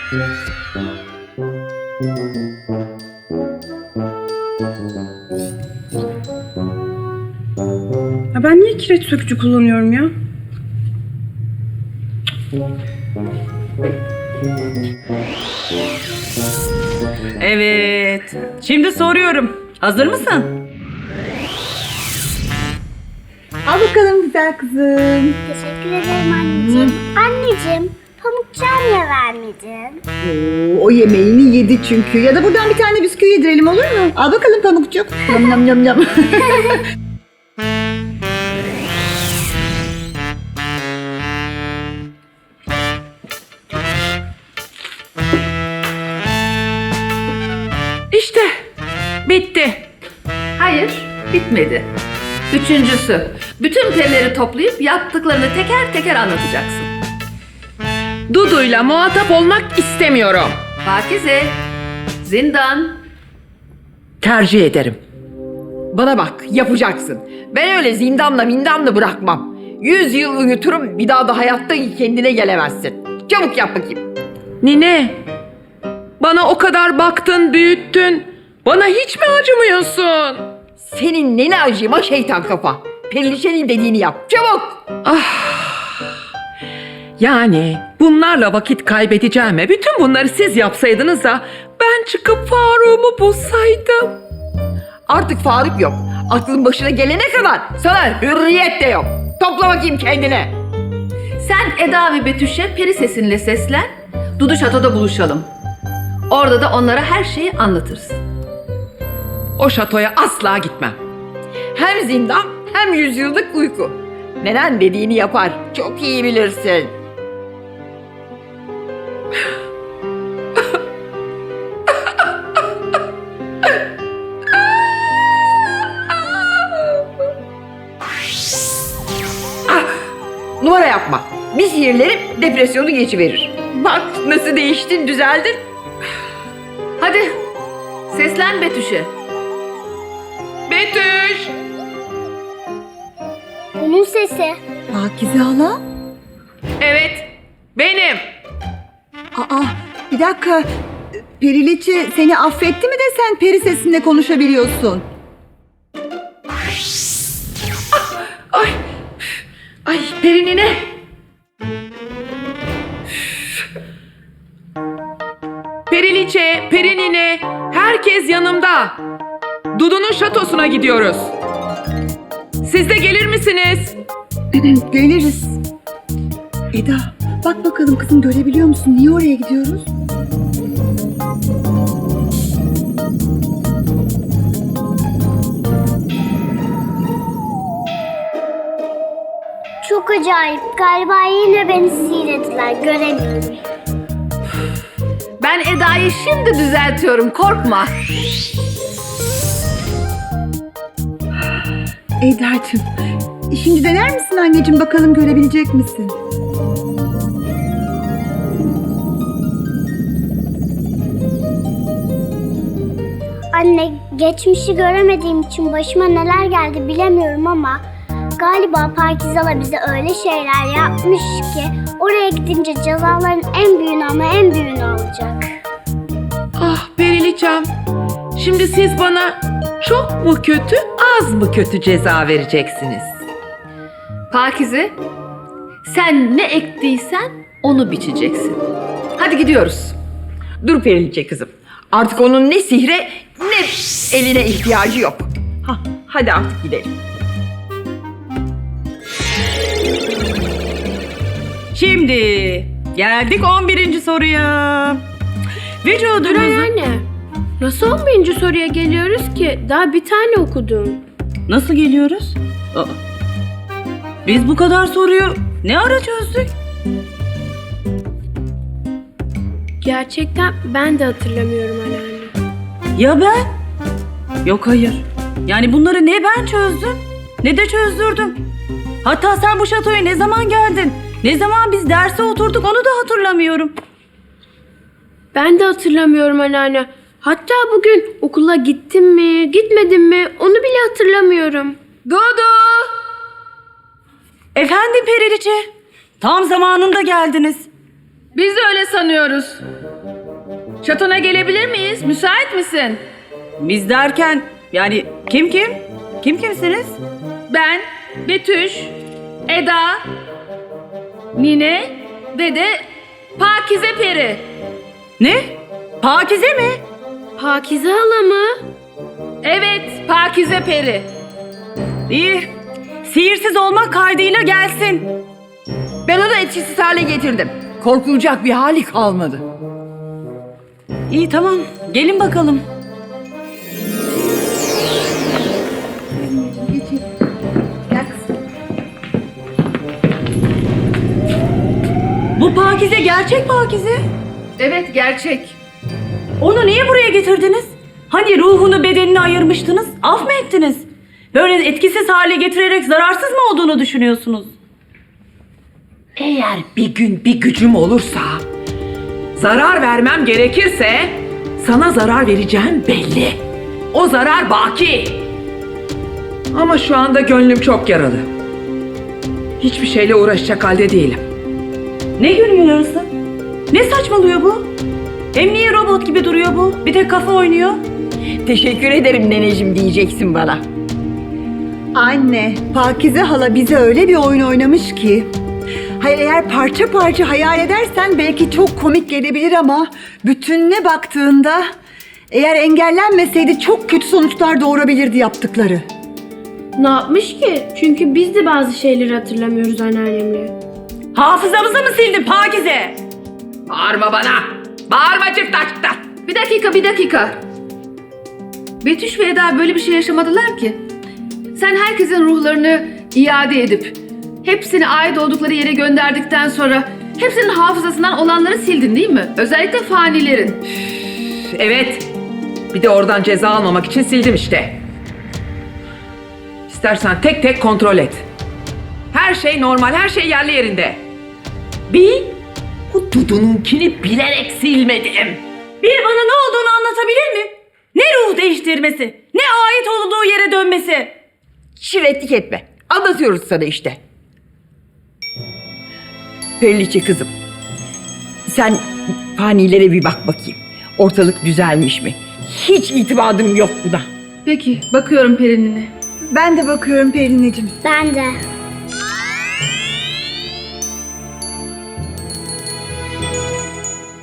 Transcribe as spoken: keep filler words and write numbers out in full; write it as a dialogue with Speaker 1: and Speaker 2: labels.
Speaker 1: Ya ben niye kireç sökücü kullanıyorum ya?
Speaker 2: Evet. Şimdi soruyorum. Hazır mısın?
Speaker 3: Al bakalım güzel kızım.
Speaker 4: Teşekkür ederim anneciğim. Anneciğim, pamukçuğa niye vermedin?
Speaker 3: Oo, o yemeğini yedi çünkü. Ya da buradan bir tane bisküvi yedirelim olur mu? Al bakalım pamukçuk. Yam yam yam yam.
Speaker 5: İşte bitti. Hayır, bitmedi. Üçüncüsü, bütün perileri toplayıp yaptıklarını teker teker anlatacaksın. Dudu'yla muhatap olmak istemiyorum. Pakize, zindan.
Speaker 2: Tercih ederim. Bana bak, yapacaksın. Ben öyle zindamla mindamla bırakmam. Yüz yıl uyuturum, bir daha da hayatta kendine gelemezsin. Çabuk yap bakayım.
Speaker 5: Nine, bana o kadar baktın, büyüttün. Bana hiç mi acımıyorsun?
Speaker 2: Senin nene acıyma şeytan kafa. Periliçenin dediğini yap, çabuk.
Speaker 5: Yani bunlarla vakit kaybedeceğime bütün bunları siz yapsaydınız da ben çıkıp Faruk'umu bulsaydım.
Speaker 2: Artık Faruk yok. Aklın başına gelene kadar sana hürriyet de yok. Topla bakayım kendine.
Speaker 5: Sen Eda ve Betüş'e peri sesinle seslen. Dudu şatoda buluşalım. Orada da onlara her şeyi anlatırsın. O şatoya asla gitmem.
Speaker 2: Hem zindan hem yüzyıllık uyku. Nenen dediğini yapar. Çok iyi bilirsin. Ah, numara yapma. Bir sihirlerim depresyonu geçiverir. Bak nasıl değiştin, düzeldin.
Speaker 5: Hadi seslen Betüş'e. Betüş!
Speaker 4: Onun sesi.
Speaker 3: Pakize hala.
Speaker 5: Evet, benim.
Speaker 3: Aa, bir dakika. Periliçe seni affetti mi de sen peri sesinde konuşabiliyorsun?
Speaker 5: Ay, ay Perinine. Periliçe, Perinine, herkes yanımda. Dudu'nun şatosuna gidiyoruz. Siz de gelir misiniz?
Speaker 3: Geliriz. Eda, bak bakalım kızım görebiliyor musun? Niye oraya gidiyoruz?
Speaker 4: Çok acayip. Galiba yine beni sihirlediler. Göremiyorum.
Speaker 5: Ben Eda'yı şimdi düzeltiyorum, korkma.
Speaker 3: Eda'cığım, şimdi dener misin anneciğim bakalım görebilecek misin?
Speaker 4: Anne, geçmişi göremediğim için başıma neler geldi bilemiyorum ama galiba Pakize bize öyle şeyler yapmış ki oraya gidince cezaların en büyüğünü ama en büyüğünü alacak.
Speaker 5: Ah Periliçem, şimdi siz bana çok mu kötü, az mı kötü ceza vereceksiniz? Pakize, sen ne ektiysen onu biçeceksin. Hadi gidiyoruz.
Speaker 2: Dur Periliçe kızım. Artık onun ne sihre ne eline ihtiyacı yok. Hah, hadi artık gidelim.
Speaker 6: Şimdi geldik on birinci soruya. Vücudumuzun...
Speaker 7: anne. Nasıl on birinci soruya geliyoruz ki? Daha bir tane okudum.
Speaker 6: Nasıl geliyoruz? Aa, biz bu kadar soruyu ne ara çözdük?
Speaker 7: Gerçekten ben de hatırlamıyorum anneanne.
Speaker 6: Ya ben? Yok hayır. Yani bunları ne ben çözdüm ne de çözdürdüm. Hatta sen bu şatoya ne zaman geldin? Ne zaman biz derse oturduk onu da hatırlamıyorum.
Speaker 7: Ben de hatırlamıyorum anneanne. Hatta bugün okula gittim mi, gitmedim mi onu bile hatırlamıyorum.
Speaker 5: Dudu!
Speaker 6: Efendim Periliçe? Tam zamanında geldiniz.
Speaker 5: Biz de öyle sanıyoruz. Şatona gelebilir miyiz? Müsait misin?
Speaker 6: Biz derken yani kim kim? Kim kimsiniz?
Speaker 5: Ben, Betüş, Eda, Nine ve de Pakize Peri.
Speaker 6: Ne? Pakize mi?
Speaker 7: Pakize hala mı?
Speaker 5: Evet, Pakize Peri.
Speaker 6: İyi. Sihirsiz olmak kaydıyla gelsin.
Speaker 2: Ben onu etkisiz hale getirdim. Korkulacak bir hali kalmadı.
Speaker 6: İyi tamam. Gelin bakalım. Bu Pakize gerçek Pakize.
Speaker 5: Evet, gerçek.
Speaker 6: Onu niye buraya getirdiniz? Hani ruhunu bedenini ayırmıştınız? Af mı ettiniz? Böyle etkisiz hale getirerek zararsız mı olduğunu düşünüyorsunuz?
Speaker 8: Eğer bir gün bir gücüm olursa, zarar vermem gerekirse sana zarar vereceğim belli. O zarar baki. Ama şu anda gönlüm çok yaralı. Hiçbir şeyle uğraşacak halde değilim.
Speaker 6: Ne gönlün yarısı? Ne saçmalıyor bu? Hem niye robot gibi duruyor bu? Bir tek kafa oynuyor.
Speaker 2: Teşekkür ederim neneciğim diyeceksin bana.
Speaker 3: Anne, Pakize hala bize öyle bir oyun oynamış ki. Hayır, eğer parça parça hayal edersen belki çok komik gelebilir ama bütününe baktığında eğer engellenmeseydi çok kötü sonuçlar doğurabilirdi yaptıkları.
Speaker 7: Ne yapmış ki? Çünkü biz de bazı şeyleri hatırlamıyoruz anneannemle.
Speaker 6: Hafızamızı mı sildin Pakize?
Speaker 8: Bağırma bana. Bağırma çift açıkta.
Speaker 5: Bir dakika, bir dakika. Betüş ve Eda böyle bir şey yaşamadılar ki. Sen herkesin ruhlarını iade edip hepsini ait oldukları yere gönderdikten sonra hepsinin hafızasından olanları sildin değil mi? Özellikle fanilerin.
Speaker 8: Evet. Bir de oradan ceza almamak için sildim işte. İstersen tek tek kontrol et. Her şey normal, her şey yerli yerinde. Bir, bu Dudu'nunkini bilerek silmedim.
Speaker 6: Bir bana ne olduğunu anlatabilir mi? Ne ruh değiştirmesi? Ne ait olduğu yere dönmesi?
Speaker 2: Şiretlik etme. Anlatıyoruz sana işte. Periliçe kızım. Sen fanilere bir bak bakayım. Ortalık düzelmiş mi? Hiç itimadım yok buna.
Speaker 5: Peki, bakıyorum Perin'ine.
Speaker 3: Ben de bakıyorum Pelin'ciğim.
Speaker 4: Ben de.